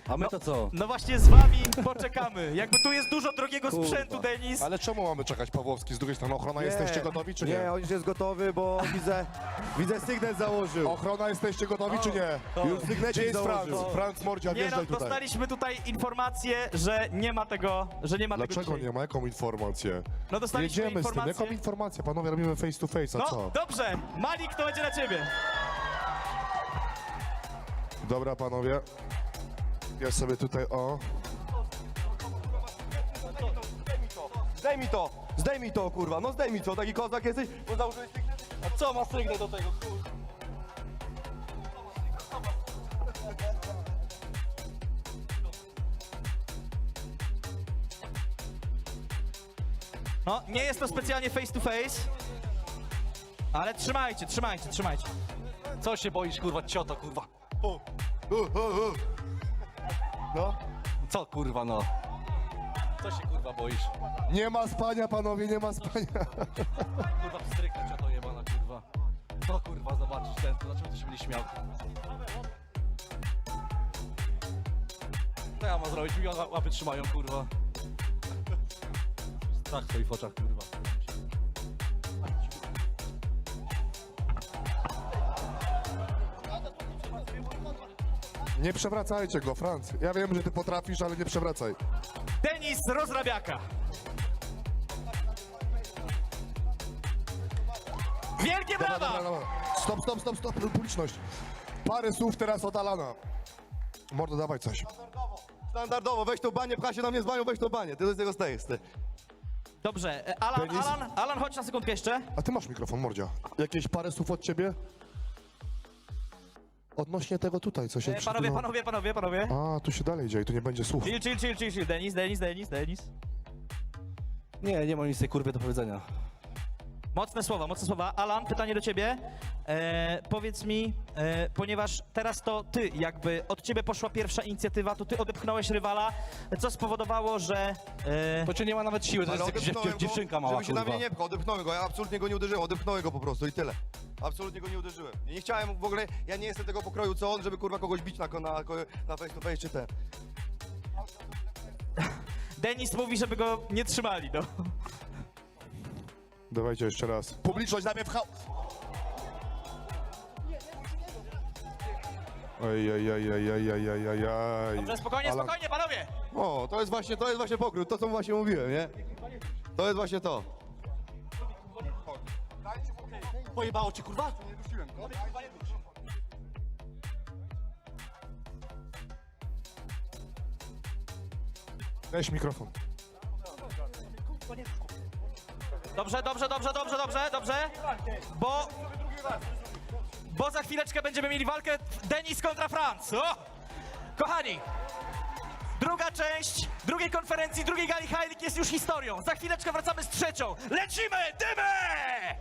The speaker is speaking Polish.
A my to co? No właśnie z wami poczekamy. Jakby tu jest dużo drogiego sprzętu, Denis. Ale czemu mamy czekać, Pawłowski? Z drugiej strony ochrona, jesteście gotowi czy nie? Nie, on już jest gotowy, bo widzę sygnet założył. Ochrona, jesteście gotowi czy nie? Już sygnecik Gdzie jest Franc? założył. Franc Mordzia, Nie no, wjeżdżaj tutaj. dostaliśmy tutaj informację, że nie ma tego, że nie ma tego Dlaczego dzisiaj. nie ma? Jaką informację? No dostaliśmy Jedziemy z tym. informację. Jaką informację? Panowie, robimy face to face, a No co? dobrze, Malik, to będzie na ciebie. Dobra, panowie. Ja sobie tutaj, o. Zdejmij to, kurwa, no zdejmij to, taki kozak jesteś, bo założyłeś sygnet. A co ma sygnet do tego, kurwa? No, nie jest to specjalnie face to face, ale trzymajcie. Co się boisz, kurwa, cioto, kurwa? No. Co, kurwa, no? Co się, kurwa, boisz? Nie ma spania, panowie, nie ma spania. Kurwa, pstryka, cioto jebana, kurwa. Co, kurwa, zobaczysz ten, to dlaczego ty się będziesz śmiał? Co ja mam zrobić? Mi łapy trzymają, kurwa. Strach w twoich oczach, kurwa. Nie przewracajcie go, Franc. Ja wiem, że ty potrafisz, ale nie przewracaj. Denis Rozrabiaka. Wielkie brawa! Stop, publiczność. Parę słów teraz od Alana. Mordo, dawaj coś. Standardowo, weź tą banię, pcha się na mnie z banią, weź tą banię, ty z tego stajesz, ty. Dobrze, Denis? Alan, chodź na sekundkę jeszcze. A ty masz mikrofon, Mordzia. Jakieś parę słów od ciebie? Odnośnie tego tutaj, co się przed chwilą- Panowie. A, tu się dalej dzieje, tu nie będzie słów. Chill. Denis. Nie mam nic tej kurwie do powiedzenia. Mocne słowa. Alan, pytanie do ciebie. Powiedz mi, ponieważ teraz to ty, jakby od ciebie poszła pierwsza inicjatywa, to ty odepchnąłeś rywala, co spowodowało, że... To cię nie ma nawet siły, to jest jakaś dziewczynka mała, żeby się na mnie kurwa. nie pchał, odepchnąłem go, ja absolutnie go nie uderzyłem, odepchnąłem go po prostu i tyle. Absolutnie go nie uderzyłem. I nie chciałem w ogóle, ja nie jestem tego pokroju co on, żeby kurwa kogoś bić na face to face czy te. Denis mówi, żeby go nie trzymali, no. Dawajcie jeszcze raz. Publiczność najpierw pchał. Ej. Dobrze, spokojnie, panowie! O, to jest właśnie pokrój, to co mu właśnie mówiłem, nie? To jest właśnie to. Pojebało cię, kurwa? Weź mikrofon. Dobrze, bo za chwileczkę będziemy mieli walkę Denis kontra Franc. O! Kochani, druga część drugiej konferencji, drugiej gali High League jest już historią. Za chwileczkę wracamy z trzecią. Lecimy! Dymy!